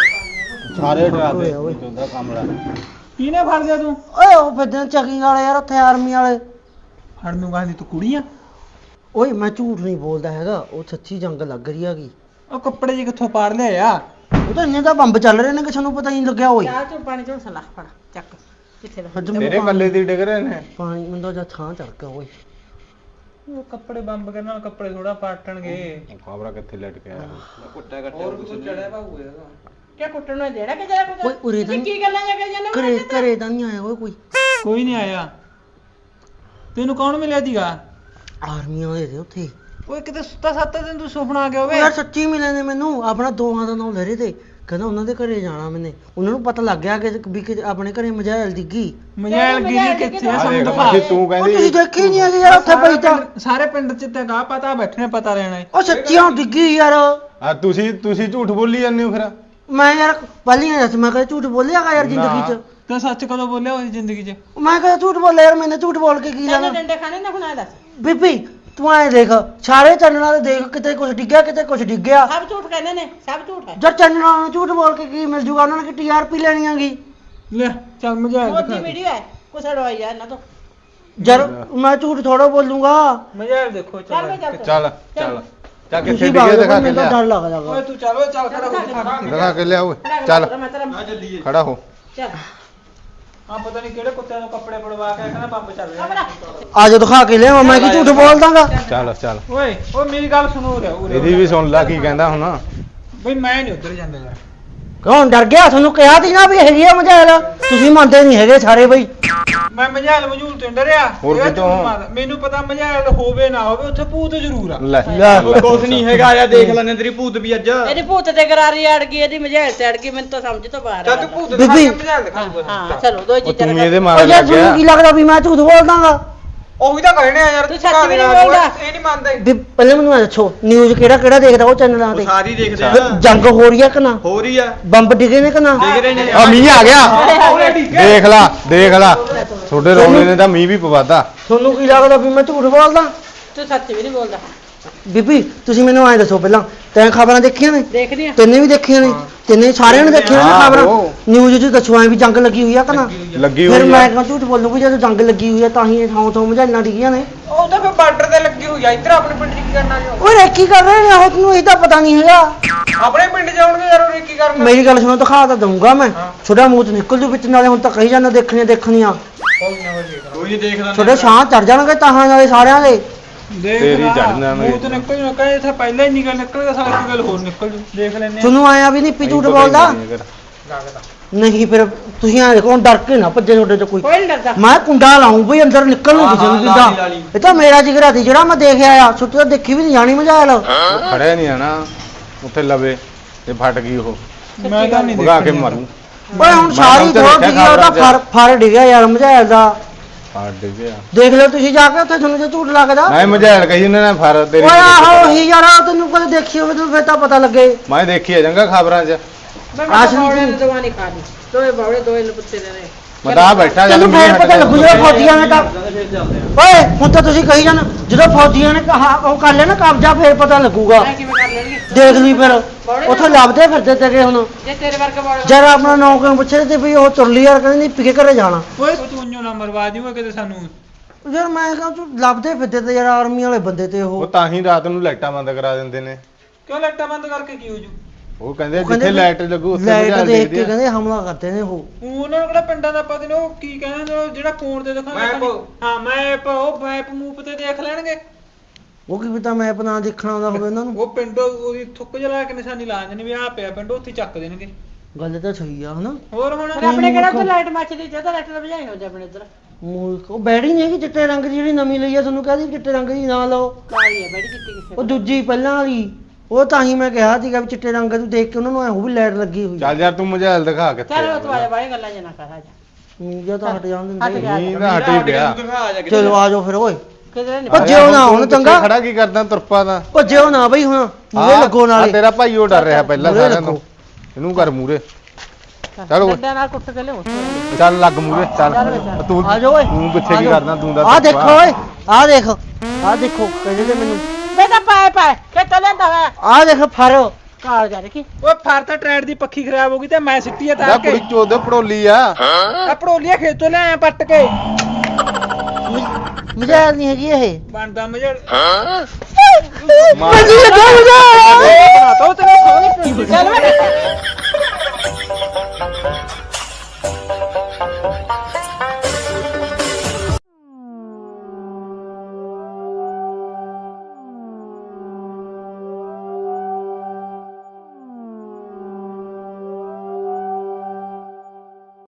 Speaker 6: ਸਾਰੇ ਡਰਾਦੇ
Speaker 3: ਓਏ।
Speaker 6: ਚੋਂਦਾ ਕਮਲਾ।
Speaker 1: ਕਿਹਨੇ ਫੜ ਲਿਆ ਤੂੰ?
Speaker 3: ਓਏ ਉਹ ਫਿਰਦੇ ਚੈਕਿੰਗ ਵਾਲੇ ਯਾਰ ਉੱਥੇ, ਆਰਮੀ ਵਾਲੇ।
Speaker 1: ਫੜ ਨੂੰ ਕਹਿੰਦੀ ਤੂੰ ਕੁੜੀ ਆ?
Speaker 3: ਓਏ ਮੈਂ ਝੂਠ ਨਹੀਂ ਬੋਲਦਾ ਹੈਗਾ, ਉਹ ਸੱਚੀ ਜੰਗ ਲੱਗ ਰਹੀ ਹੈਗੀ।
Speaker 1: ਉਹ ਕੱਪੜੇ ਜੀ ਕਿੱਥੋਂ ਪਾੜ ਲਿਆ ਆ?
Speaker 3: ਉਹ ਤਾਂ ਇੰਨੇ ਤਾਂ ਬੰਬ ਚੱਲ ਰਹੇ ਨੇ ਕਿ ਸਾਨੂੰ ਪਤਾ ਹੀ ਨਹੀਂ ਲੱਗਿਆ। ਓਏ
Speaker 5: ਚਾਹ ਚੋਂ ਪਾਣੀ ਚੋਂ ਸਲਾਹ ਫੜ ਚੱਕ ਕਿੱਥੇ ਦਾ।
Speaker 3: ਅੱਜ ਮੈਨੂੰ
Speaker 6: ਤੇਰੇ ਕੱਲੇ ਦੀ ਡਿੱਗ ਰਹੇ ਨੇ।
Speaker 3: ਪਾਣੀ ਮੈਨੂੰ ਤਾਂ ਜਾਂ ਥਾਂ ਚੜ ਗਿਆ। ਓਏ
Speaker 1: ਉਹ ਕੱਪੜੇ ਬੰਬ ਕਰਨ ਨਾਲ ਕੱਪੜੇ ਥੋੜਾ ਪਾਟਣਗੇ।
Speaker 6: ਖਬਰਾ ਕਿੱਥੇ ਲਟ ਕੇ ਆਇਆ।
Speaker 8: ਕੁੱਟਿਆ ਕੱਟਿਆ
Speaker 1: ਹੋਰ ਵੀ ਕੁਝ ਚੜਿਆ ਭਾਊ ਇਹਦਾ।
Speaker 5: ਕਿਆ ਕੁੱਟਣ ਨੂੰ ਦੇਣਾ ਕਿ ਜਿਹੜਾ
Speaker 3: ਓਏ
Speaker 5: ਕੁਝ
Speaker 3: ਉਰੇ ਤਾਂ
Speaker 5: ਕੀ ਗੱਲਾਂ ਜਾ ਕੇ ਜਾਂਦੇ
Speaker 3: ਘਰੇ ਘਰੇ ਤਾਂ ਨਹੀਂ ਆਇਆ ਓਏ ਕੋਈ।
Speaker 1: ਕੋਈ ਨਹੀਂ ਆਇਆ। ਤੈਨੂੰ ਕੌਣ ਮਿਲਿਆ ਸੀਗਾ?
Speaker 3: ਆਰਮੀ ਵਾਲੇ ਦੇ ਉੱਥੇ।
Speaker 1: ਓਏ ਕਿਤੇ ਸੁੱਤਾ ਸੱਤਾ ਦਿਨ ਤੂੰ ਸੁਪਨਾ ਆ ਗਿਆ
Speaker 3: ਓ
Speaker 1: ਹੋਵੇ।
Speaker 3: ਯਾਰ ਸੱਚੀ ਮਿਲੇ ਨੇ ਮੈਨੂੰ, ਆਪਣਾ ਦੋਹਾਂ ਦਾ ਨਾਮ ਲੈ ਰਹੇ ਤੇ। ਕਹਿੰਦਾ ਉਹਨਾਂ ਦੇ ਘਰੇ ਜਾਣਾ ਮੈਨੇ। ਉਹਨਾਂ ਨੂੰ ਪਤਾ ਲੱਗ ਗਿਆ ਕਿ ਵੀ ਕਿ ਆਪਣੇ ਘਰੇ ਮਜਾਇਲ ਡਿੱਗੀ।
Speaker 1: ਮਜਾਇਲ ਗਿਰੀ ਕਿੱਥੇ ਆ
Speaker 6: ਆ
Speaker 1: ਸਾਨੂੰ
Speaker 6: ਦੇਖ
Speaker 1: ਦਿਖਾ।
Speaker 6: ਮਾਸੀ ਤੂੰ
Speaker 3: ਉਹ ਤੁਸੀਂ
Speaker 6: ਕਹਿੰਦੀ
Speaker 3: ਦੇਖੀ ਨਹੀਂ ਹੈਗੀ ਯਾਰ ਉੱਥੇ ਪਈ ਤਾਂ।
Speaker 1: ਸਾਰੇ ਪਿੰਡ ਚ ਤੇ ਗਾ ਪਤਾ ਬੈਠੇ ਨੇ, ਪਤਾ ਲੈਣਾ ਏ।
Speaker 3: ਉਹ ਸੱਚੀਆਂ ਡਿੱਗੀ ਯਾਰ।
Speaker 6: ਆ ਤੁਸੀਂ ਤੁਸੀਂ ਝੂਠ ਬੋਲੀ ਜਾਂਦੇ ਹੋ ਫਿਰ।
Speaker 3: ਮੈਂ ਯਾਰ ਪਹਿਲੀਆਂ ਦੱਸ, ਮੈਂ ਕਦੇ ਝੂਠ ਬੋਲਿਆਗਾ ਯਾਰ ਜ਼ਿੰਦਗੀ 'ਚ?
Speaker 1: ਤੂੰ ਸੱਚ ਕਦੋਂ ਬੋਲਿਆ ਹੋਈ ਜ਼ਿੰਦਗੀ 'ਚ?
Speaker 3: ਮੈਂ ਕਦੇ ਝੂਠ ਬੋਲਿਆ ਯਾਰ? ਮੈਨੇ ਝੂਠ ਬੋਲ ਕੇ ਕੀ ਲੈਣਾ?
Speaker 5: ਤੈਨੂੰ ਡੰਡੇ ਖਾਣੇ ਨਾ ਹੁਣ ਆ ਦੱਸ।
Speaker 3: ਬੀਬੀ ਤੂੰ ਐ ਦੇਖ, ਸਾਰੇ ਚੰਨਣਾ ਦੇ ਦੇਖ, ਕਿਤੇ ਕੁਝ ਡਿੱਗਿਆ ਕਿਤੇ ਕੁਝ ਡਿੱਗਿਆ।
Speaker 5: ਸਭ ਝੂਠ ਕਹਿੰਦੇ ਨੇ, ਸਭ ਝੂਠ ਹੈ।
Speaker 3: ਜਦ ਚੰਨਣਾ ਨੂੰ ਝੂਠ ਬੋਲ ਕੇ ਕੀ ਮਿਲ ਜੂਗਾ? ਉਹਨਾਂ ਨੇ ਕਿ ਟੀ ਆਰ ਪੀ ਲੈਣੀ ਆਗੀ।
Speaker 1: ਲੈ ਚੱਲ ਮਜਾਇਲ
Speaker 5: ਮੋਦੀ
Speaker 1: ਦਿਖਾ।
Speaker 5: ਵੀਡੀਓ ਹੈ ਕੁਛ ਅੜਵਾਈ ਆ ਇਹਨਾਂ ਤੋਂ।
Speaker 3: ਜਰ ਮੈਂ ਝੂਠ ਥੋੜਾ ਬੋਲੂੰਗਾ।
Speaker 1: ਮਜਾਇਲ ਦੇਖੋ
Speaker 5: ਚੱਲ ਮੈਂ
Speaker 1: ਚੱਲ।
Speaker 5: ਚੱਲ
Speaker 6: ਚੱਲ ਚੱਲ ਚੱਲ ਕਿੱਥੇ
Speaker 3: ਤੁਸੀਂ
Speaker 6: ਡਿੱਗੇ
Speaker 3: ਬਾਹਰ
Speaker 6: ਦਿਖਾ ਕੇ
Speaker 3: ਮੈਨੂੰ ਤਾਂ
Speaker 6: ਲਿਆ।
Speaker 3: ਡਰ ਲੱਗਦਾ ਗਾ।
Speaker 1: ਓਏ ਤੂੰ ਚੱਲ, ਓਏ ਚੱਲ ਖੜਾ ਹੋ ਦਿਖਾ ਕੇ।
Speaker 6: ਦਿਖਾ ਕੇ ਲਿਆ ਓਏ।
Speaker 5: ਖੜਾ
Speaker 6: ਚੱਲ
Speaker 5: ਕਰ, ਮੈਂ ਤੇਰਾ
Speaker 6: ਖੜਾ ਹੋ।
Speaker 5: ਚੱਲ
Speaker 1: ਆ ਪਤਾ ਨਹੀਂ ਕਿਹੜੇ ਕੁੱਤਿਆਂ ਨੂੰ ਕੱਪੜੇ ਪੜਵਾ ਕੇ ਕਹਿੰਦਾ ਬੰਬ ਚੱਲ ਰਿਹਾ।
Speaker 5: ਕਮਰਾ
Speaker 3: ਆ ਜਾ ਦਿਖਾ ਕੇ ਲਿਆ, ਮੈਂ ਕੀ ਝੂਠ ਬੋਲ ਦਾਂਗਾ?
Speaker 6: ਚੱਲ ਚੱਲ
Speaker 1: ਓਏ ਓ ਮੇਰੀ ਗੱਲ ਸੁਣੋ ਉਰੇ ਉਰੇ।
Speaker 6: ਇਹਦੀ ਵੀ ਸੁਣ ਲੈ ਕੀ ਕਹਿੰਦਾ ਹੁਣ।
Speaker 1: ਬਈ ਮੈਂ ਨਹੀਂ ਉੱਧਰ ਜਾਂਦਾ ਯਾਰ।
Speaker 3: ਕੌਣ ਡਰ ਗਿਆ? ਤੁਹਾਨੂੰ ਕਿਹਾ ਸੀ ਨਾ ਵੀ ਹੈਗੀ ਆ ਮਜਾਇਲ, ਤੁਸੀਂ ਮੰਨਦੇ ਨਹੀਂ ਹੈਗੇ ਸਾਰੇ ਬਈ।
Speaker 1: ਮੈਂ ਮਝਾਲ ਮਝੂਲ ਤੋਂ ਨੀ ਡਰਿਆ
Speaker 4: ਹੋਰ
Speaker 1: ਇਹਦਾ
Speaker 4: ਕਿਤੋਂ?
Speaker 1: ਝੂਠ ਮਾਰਦਾ। ਮੈਨੂੰ ਪਤਾ ਮਝਾਲ ਹੋਵੇ ਨਾ ਹੋਵੇ ਉੱਥੇ ਭੂਤ ਜ਼ਰੂਰ ਆ।
Speaker 4: ਲੈ
Speaker 8: ਕੁਛ ਨਹੀਂ ਹੈਗਾ ਆ ਦੇਖ ਲੈਣੇ ਤੇਰੀ ਭੂਤ ਵੀ ਅੱਜ
Speaker 5: ਇਹਦੀ ਭੂਤ ਤੇ ਗਰਾਰੀ ਅੜ ਗਈ ਇਹਦੀ ਮਝੈਲ ਤੇ ਅੜ ਗਈ ਮੈਨੂੰ ਤਾਂ ਸਮਝ ਤੋਂ ਬਾਹਰ
Speaker 1: ਚੱਲ
Speaker 5: ਆ
Speaker 1: ਤੂੰ ਭੂਤ ਦਿਖਾ
Speaker 3: ਬੀਬੀ।
Speaker 1: ਕੇ ਮਝਾਲ ਦਿਖਾਊਗਾ
Speaker 5: ਹਾਂ ਚਲੋ ਦੋ
Speaker 4: ਉਹ
Speaker 5: ਚੀਜ਼ਾਂ
Speaker 4: ਤੂੰ ਇਹਦੇ
Speaker 3: ਉਹ
Speaker 4: ਮਾਰ
Speaker 3: ਯਾਰ
Speaker 4: ਲੱਗ
Speaker 3: ਤੁਹਾਨੂੰ
Speaker 4: ਗਿਆ
Speaker 3: ਕੀ ਲੱਗਦਾ ਵੀ ਮੈਂ ਝੂਠ ਬੋਲਦਾਗਾ?
Speaker 1: ਉਹੀ ਤਾਂ ਕਹਿਣੇ ਆ ਯਾਰ
Speaker 5: ਤੂੰ
Speaker 1: ਦਿਖਾ
Speaker 5: ਸੱਚ ਵੀ
Speaker 1: ਦੇ
Speaker 5: ਨਹੀਂ
Speaker 1: ਰਾਜ,
Speaker 5: ਬੋਲਦਾ।
Speaker 1: ਇਹ ਨਹੀਂ ਮੰਨਦੇ
Speaker 3: ਵੀ ਪਹਿਲੇ ਮੈਨੂੰ ਇਹ ਦੱਸੋ ਨਿਊਜ਼ ਕਿਹੜਾ ਕਿਹੜਾ ਦੇਖਦਾ ਉਹ ਚੈਨਲਾਂ
Speaker 8: ਉਹ
Speaker 3: ਤੇ?
Speaker 8: ਸਾਰੀ ਦੇਖਦੇ
Speaker 3: ਵੀ
Speaker 8: ਆ
Speaker 3: ਜੰਗ ਹੋ ਰਹੀ ਆ ਕਿ ਨਾ?
Speaker 8: ਹੋ ਰਹੀ ਆ
Speaker 3: ਬੰਬ ਡਿੱਗੇ ਨੇ ਕਿ ਨਾ?
Speaker 8: ਦੇਖ ਰਹੇ ਨੇ
Speaker 4: ਆ ਮੀਂਹ ਆ ਗਿਆ ਦੇਖ ਲਾ ਦੇਖ ਲਾ ਤੁਹਾਡੇ ਰੋਣੇ ਨੇ ਤਾਂ ਮੀਂਹ ਵੀ ਪਵਾਤਾ।
Speaker 3: ਤੁਹਾਨੂੰ ਕੀ ਲੱਗਦਾ ਵੀ ਮੈਂ ਝੂਠ ਬੋਲਦਾ?
Speaker 5: ਤੂੰ ਸੱਚ ਵੀ ਨਹੀਂ ਬੋਲਦਾ
Speaker 3: ਬੀਬੀ ਤੁਸੀਂ ਮੈਨੂੰ ਐਂ ਦੱਸੋ ਪਹਿਲਾਂ ਤੈਂ ਖਬਰਾਂ ਦੇਖੀਆਂ ਨੇ?
Speaker 5: ਦੇਖਦੀ ਆ
Speaker 3: ਤੈਨੇ ਵੀ ਦੇਖੀਆਂ ਨੇ? ਤੈਨੇ ਸਾਰਿਆਂ ਨੇ ਦੇਖੀਆਂ ਨੇ
Speaker 4: ਹਾਂ,
Speaker 3: ਖਬਰਾਂ?
Speaker 4: ਉਹ।
Speaker 3: ਨਿਊਜ਼ 'ਚ ਦੱਸੋ ਐਂ ਵੀ ਜੰਗ ਲੱਗੀ ਹੋਈ ਆ ਕਿ ਨਾ?
Speaker 4: ਲੱਗੀ
Speaker 3: ਫਿਰ
Speaker 4: ਹੋਈ
Speaker 3: ਮੈਂ
Speaker 4: ਆ
Speaker 3: ਕਿਉਂ ਝੂਠ ਬੋਲੂੰਗੀ ਜਦੋਂ ਜੰਗ ਲੱਗੀ ਹੋਈ ਆ ਤਾਂ ਹੀ ਇਹ ਥਾਂ ਥਾਂ ਮਝਾਲਾਂ ਡਿੱਗੀਆਂ ਨੇ।
Speaker 1: ਉਹ ਤਾਂ ਫਿਰ ਬਾਰਡਰ ਤੇ ਲੱਗੀ ਹੋਈ ਆ ਇੱਧਰ ਆਪਣੇ ਪਿੰਡ 'ਚ ਕੀ ਕਰਨਾ ਜੋ
Speaker 3: ਓਏ ਕੀ ਕਰ ਰਹੇ ਨੇ ਉਹ? ਤੈਨੂੰ ਇਹ ਤਾਂ ਪਤਾ ਨਹੀਂ ਹੈਗਾ।
Speaker 1: ਆਪਣੇ ਪਿੰਡ ਜਾਉਣਗੇ ਯਾਰ ਉਹ ਕੀ ਕਰਨਾ।
Speaker 3: ਮੇਰੀ ਗੱਲ ਸੁਣੋ ਦਿਖਾ ਤਾਂ ਦਊਂਗਾ ਮੈਂ। ਛੋਟਾ ਮੂੰਹ ਤੋਂ ਨਿਕਲ ਜੂ ਵਿੱਚ ਨਾਲੇ ਹੁਣ ਤਾਂ ਕਹੀ ਜਾਂਦਾ ਦੇਖਣੀਆਂ ਦੇਖਣੀਆਂ।
Speaker 1: ਕੋਈ ਨਾ ਕੋਈ
Speaker 8: ਕੋਈ ਨਹੀਂ ਦੇਖ ਲੈਂਦੇ
Speaker 3: ਛੋਟੇ ਸਾਹ ਚੜ ਜਾਣਗੇ ਤਾਹਾਂ ਨਾਲੇ ਸਾਰਿਆਂ ਦੇ।
Speaker 1: ਦੇਖ
Speaker 4: ਤੇਰੀ
Speaker 1: ਲਾ,
Speaker 4: ਚੜ੍ਹ ਜਾਣਗੇ।
Speaker 1: ਮੂੰਹ ਤੋਂ ਨਿਕਲ ਜੂ ਕਹੇ ਇੱਥੇ ਪਹਿਲਾਂ ਹੀ ਨਿਕਲ ਨਿਕਲੇਗਾ ਸਾਰੀ ਇੱਕ ਗੱਲ ਹੋਰ ਨਿਕਲ ਜੂ ਦੇਖ ਲੈਨੇ ਆ।
Speaker 3: ਤੁਹਾਨੂੰ ਆਇਆ ਵੀ ਨਹੀਂ ਪੀ ਝੂਠ ਬੋਲਦਾ? ਨਹੀਂ ਫਿਰ ਤੁਸੀਂ ਐਂ ਦੇਖੋ ਹੁਣ ਡਰ ਕੇ ਨਾ ਭੱਜੇ ਤੁਹਾਡੇ ਤੋਂ ਕੋਈ।
Speaker 5: ਕੋਈ ਨਹੀਂ ਡਰਦਾ
Speaker 3: ਮੈਂ ਕੁੰਡਾ ਲਾਉਂ ਬਈ ਅੰਦਰ ਨਿਕਲ ਨੂੰ ਕਿਸੇ ਨੂੰ
Speaker 8: ਹਾਂ, ਲਾ ਲਈ, ਲਾ
Speaker 3: ਕਿੱਦਾਂ।
Speaker 8: ਲਈ।
Speaker 3: ਇਹ ਤਾਂ ਮੇਰਾ ਜਿਗਰਾ ਸੀ ਜਿਹੜਾ ਮੈਂ ਦੇਖ ਆਇਆ। ਛੁੱਟੀ ਤਾਂ ਦੇਖੀ ਵੀ ਨਹੀਂ ਜਾਣੀ ਮਜਾਲ।
Speaker 4: ਖੜਿਆ ਨਹੀਂ ਆਣਾ ਉੱਥੇ ਲਵੇ ਤੇ ਫਟ ਗਈ ਉਹ
Speaker 1: ਮੈਂ ਤਾਂ ਨਹੀਂ
Speaker 4: ਭਗਾ ਕੇ
Speaker 1: ਦੇਖਣੀ।
Speaker 4: ਮਾਰੂ
Speaker 3: ਓਏ ਹੁਣ
Speaker 4: ਮੈਂ
Speaker 3: ਸਾਰੀ
Speaker 4: ਤਾਂ
Speaker 3: ਥੋੜ
Speaker 4: ਦੇਖਿਆ
Speaker 3: ਡਿੱਗੀ ਉਹਦਾ
Speaker 4: ਖਬਰਾਂ
Speaker 3: ਫਰ ਫਰ ਡਿੱਗਿਆ ਯਾਰ ਮਜਾਲ ਦਾ।
Speaker 4: ਫਟ ਗਿਆ
Speaker 3: ਦੇਖ ਲਓ ਤੁਸੀਂ ਜਾ ਕੇ ਉੱਥੇ ਤੁਹਾਨੂੰ ਜੇ ਝੂਠ ਲੱਗਦਾ।
Speaker 4: ਮੈਂ ਮਝੈਲ ਕਹੀ ਉਹਨਾਂ ਨੇ ਫਰ ਤੇਰੀ
Speaker 3: ਓਏ ਆਹੋ ਹੀ ਯਾਰ ਤੈਨੂੰ ਕਦੇ ਦੇਖੀ ਹੋਵੇ ਤੈਨੂੰ ਫਿਰ ਤਾਂ ਪਤਾ ਲੱਗੇ।
Speaker 4: ਮੈਂ ਦੇਖੀ ਆ ਜੰਗਾ ਖਬਰਾਂ 'ਚ
Speaker 5: ਮੈਂ
Speaker 3: ਆਸ਼ਰੀ
Speaker 5: ਬੌੜੇ
Speaker 3: ਜੀ।
Speaker 5: ਦੀ ਦਵਾ ਨਹੀਂ ਖਾਣੀ ਦੋਏ ਬੌੜੇ ਦੋਏ ਲਪੁੱਤੇ ਦੇ ਨੇ
Speaker 4: ਮੈਂ ਤਾਂ ਆਹ ਬੈਠਾ ਜਦ
Speaker 3: ਤੈਨੂੰ
Speaker 4: ਮੀਂਹ
Speaker 3: ਫੇਰ ਪਤਾ
Speaker 4: ਹਟ
Speaker 3: ਲੱਗੂ
Speaker 4: ਗਿਆ।
Speaker 3: ਜਦੋਂ ਫੌਜੀਆਂ ਨੇ ਤਾਂ
Speaker 8: ਫਿਰ ਚੱਲਦੇ ਆ
Speaker 3: ਓਏ ਹੁਣ ਤਾਂ ਤੁਸੀਂ ਕਹੀ ਜਾਣਾ ਜਦੋਂ ਫੌਜੀਆਂ ਨੇ ਕਹਾ ਉਹ ਕਰ ਲਿਆ ਨਾ ਕਬਜ਼ਾ ਫੇਰ ਪਤਾ ਲੱਗੂਗਾ।
Speaker 5: ਮੈਂ ਕਿਵੇਂ ਕਰ ਲੈਣਗੇ
Speaker 3: ਦੇਖ ਲਈ ਫਿਰ ਉੱਥੇ ਲੱਭਦੇ ਫਿਰਦੇ ਤੇਰੇ ਹੁਣ।
Speaker 5: ਜੇ ਤੇਰੇ ਵਰਗੇ ਬੌੜੇ
Speaker 3: ਜਦ ਆਪਣਾ ਨੌਕਰ ਪੁੱਛੇ ਤੇ ਵੀ ਉਹ ਤੁਰਲੀ ਯਾਰ ਕਹਿੰਦੀ ਪਿਕੇ ਘਰੇ ਜਾਣਾ।
Speaker 1: ਓਏ ਤੂੰ ਉਹਨੂੰ ਨਾ ਮਰਵਾ ਦਿਓ ਕਿਤੇ ਸਾਨੂੰ।
Speaker 3: ਯਾਰ ਮੈਂ ਕਹਾਂ ਤੂੰ ਲੱਭਦੇ ਫਿਰਦੇ ਤੇ ਯਾਰ ਆਰਮੀ ਵਾਲੇ ਬੰਦੇ ਤੇ
Speaker 4: ਉਹ
Speaker 3: ਉਹ।
Speaker 4: ਤਾਂ ਹੀ ਰਾਤ ਨੂੰ ਲਾਈਟਾਂ ਬੰਦ ਕਰਾ ਦਿੰਦੇ ਨੇ।
Speaker 1: ਕਿਉਂ ਲਾਈਟਾਂ ਬੰਦ ਕਰਕੇ ਕੀ ਹੋ ਜੂ।
Speaker 4: ਉਹ ਕਹਿੰਦੇ
Speaker 3: ਉਹ ਕਹਿੰਦੇ
Speaker 4: ਜਿੱਥੇ ਲਾਈਟ ਲੱਗੂ ਉੱਥੇ
Speaker 3: ਲਾਈਟ
Speaker 4: ਮਝੈਲ
Speaker 3: ਦੇਖ
Speaker 4: ਦੇਖਦੇ
Speaker 3: ਕੇ
Speaker 4: ਆ।
Speaker 3: ਕਹਿੰਦੇ ਹਮਲਾ ਕਰਦੇ ਨੇ ਉਹ।
Speaker 1: ਉਹਨਾਂ ਨੂੰ ਕਿਹੜਾ ਪਿੰਡਾਂ ਦਾ ਪਤਾ ਨੇ ਉਹ ਕੀ ਕਹਿੰਦੇ ਨੇ ਉਹ ਜਿਹੜਾ ਫੋਨ ਤੇ ਦਿਖਾਉਂਦੇ
Speaker 8: ਮੈਪ।
Speaker 1: ਹਾਂ ਮੈਪ ਉਹ ਮੈਪ ਮੂਪ ਤੇ ਦੇਖ ਲੈਣਗੇ।
Speaker 3: ਉਹ ਕੀ ਪਤਾ ਮੈਪ ਨਾ ਦੇਖਣਾ ਆਉਂਦਾ ਹੋਵੇ ਉਹਨਾਂ ਨੂੰ।
Speaker 1: ਉਹ ਪਿੰਡੋਂ ਉਹਦੀ ਥੁੱਕ ਜਲਾ ਕੇ ਨਿਸ਼ਾਨੀ ਲਾ ਦਿੰਦੇ ਨੇ ਵੀ ਆਹ ਪਿਆ ਪਿੰਡ ਉੱਥੇ ਹੀ ਚੱਕ ਦੇਣਗੇ।
Speaker 3: ਗੱਲ ਤਾਂ ਸਹੀ ਆ ਹਨਾ।
Speaker 1: ਹੋਰ ਹੁਣ
Speaker 5: ਪਰ ਆਪਣੇ ਕਿਹੜਾ ਉੱਥੇ ਲਾਈਟ ਮੱਚਦੀ ਜੇ ਤਾਂ ਲਾਈਟ ਦਾ ਬੁਝਾਈ ਹੋ ਜਾ ਆਪਣੇ ਇੱਧਰ
Speaker 3: ਮੂਰਖ ਉਹ ਬੈੜੀ ਨਹੀਂ ਹੈਗੀ ਚਿੱਟੇ ਰੰਗ ਦੀ ਜਿਹੜੀ ਨਵੀਂ ਲਈ ਆ ਤੁਹਾਨੂੰ ਕਹਦੀ ਚਿੱਟੇ ਰੰਗ ਦੀ ਨਾ ਲਓ।
Speaker 5: ਕਾਲੀ ਹੈ ਬੜੀ ਕੀਤੀ ਕਿਸੇ
Speaker 3: ਉਹ ਦੂਜੀ ਪਹਿਲਾਂ ਵਾਲੀ ਉਹ ਤਾਂ ਹੀ ਮੈਂ ਕਿਹਾ ਸੀਗਾ ਵੀ ਚਿੱਟੇ ਰੰਗ ਨੂੰ ਦੇਖ ਕੇ ਉਹਨਾਂ ਨੂੰ ਐ ਉਹ ਵੀ ਲਾਈਟ ਲੱਗੀ ਹੋਈ।
Speaker 4: ਚੱਲ ਯਾਰ ਤੂੰ ਮਝੈਲ ਦਿਖਾ ਕਿੱਥੇ
Speaker 5: ਚੱਲ ਤੂੰ ਆਇਆ ਬਾਈ ਗੱਲਾਂ ਜਨਾ ਕਰ ਆ ਜਾ
Speaker 3: ਮੀਂਹ ਤਾਂ ਹਟ ਜਾਣ
Speaker 5: ਹਟ
Speaker 3: ਦਿੰਦੇ।
Speaker 5: ਗਿਆ।
Speaker 4: ਮੀਂਹ ਤਾਂ ਹਟ ਹੀ ਪਿਆ
Speaker 8: ਦਿਖਾ ਜਾ ਕਿਤੇ
Speaker 3: ਚਲੋ ਆ ਜਾਓ ਫਿਰ ਓਏ
Speaker 5: ਕਿਧਰੇ ਨਹੀਂ
Speaker 3: ਭੱਜਿਓ ਨਾ ਹੁਣ
Speaker 4: ਤੂੰ
Speaker 3: ਚੰਗਾ।
Speaker 4: ਖੜਾ ਕੀ ਕਰਦਾ ਤੁਰਪਾ ਦਾ
Speaker 3: ਭੱਜਿਓ ਨਾ ਬਈ ਹੁਣ ਮੂਹਰੇ ਲੱਗੋ
Speaker 4: ਆਹ
Speaker 3: ਨਾਲੇ।
Speaker 4: ਤੇਰਾ ਭਾਈ ਉਹ ਡਰ ਰਿਹਾ ਪਹਿਲਾਂ
Speaker 3: ਮੂਹਰੇ
Speaker 4: ਸਾਰਿਆਂ ਤੋਂ
Speaker 3: ਲੱਗੋ।
Speaker 4: ਇਹਨੂੰ ਕਰ ਮੂਰੇ ਚੱਲ ਓਏ
Speaker 5: ਡੰਡਿਆਂ ਨਾਲ ਕੁੱਟ ਕੇ ਲਿਓ
Speaker 4: ਚੱਲ ਲੱਗ ਮੂਰੇ ਚੱਲ ਤੂੰ
Speaker 3: ਆ ਜਾਓ ਓਏ
Speaker 4: ਤੂੰ ਪਿੱਛੇ
Speaker 3: ਆ
Speaker 4: ਕੀ
Speaker 3: ਜਾਓ।
Speaker 4: ਕਰਦਾ ਤੂੰ ਦਾ
Speaker 3: ਆਹ ਦੇਖੋ ਓਏ ਆਹ ਦੇਖ ਆਹ ਦੇਖੋ ਕਹਿੰਦੇ ਤੇ ਮੈਨੂੰ
Speaker 5: ਬੇਟਾ ਪਾਏ ਪਾਏ ਕਿ ਚੱਲਦਾ ਵਾ
Speaker 3: ਆਹ ਦੇਖ ਫਰ
Speaker 5: ਕਾਲ ਜਾ ਦੇਖੀ
Speaker 1: ਓਏ ਫਰ ਤਾਂ ਟਰੈਡ ਦੀ ਪੱਖੀ ਖਰਾਬ ਹੋ ਗਈ ਤੇ ਮੈਂ ਸਿੱਟੀ ਆ
Speaker 4: ਦਾ
Speaker 1: ਤਾਰ ਕੇ
Speaker 4: ਕੁੜੀ ਚੋਦ ਪੜੋਲੀ ਆ
Speaker 1: ਆ ਪੜੋਲੀਆ ਖੇਤੋਂ ਲੈ ਆਇਆ ਪੱਟ ਕੇ
Speaker 3: ਮਜ਼ਾਕ ਨਹੀਂ ਹੈਗੀ ਇਹ।
Speaker 1: ਬਣਦਾ ਮਜੜ
Speaker 4: ਮਾਰ
Speaker 3: ਮੈਨੂੰ ਲੱਗਾ ਮਜ਼ਾਕ।
Speaker 1: ਬਣਾ ਤਾ ਉਹ ਤੇਰੇ ਸਹੁਰੇ ਪਿੰਡ ਦੀ।
Speaker 5: ਚੱਲ ਵੇ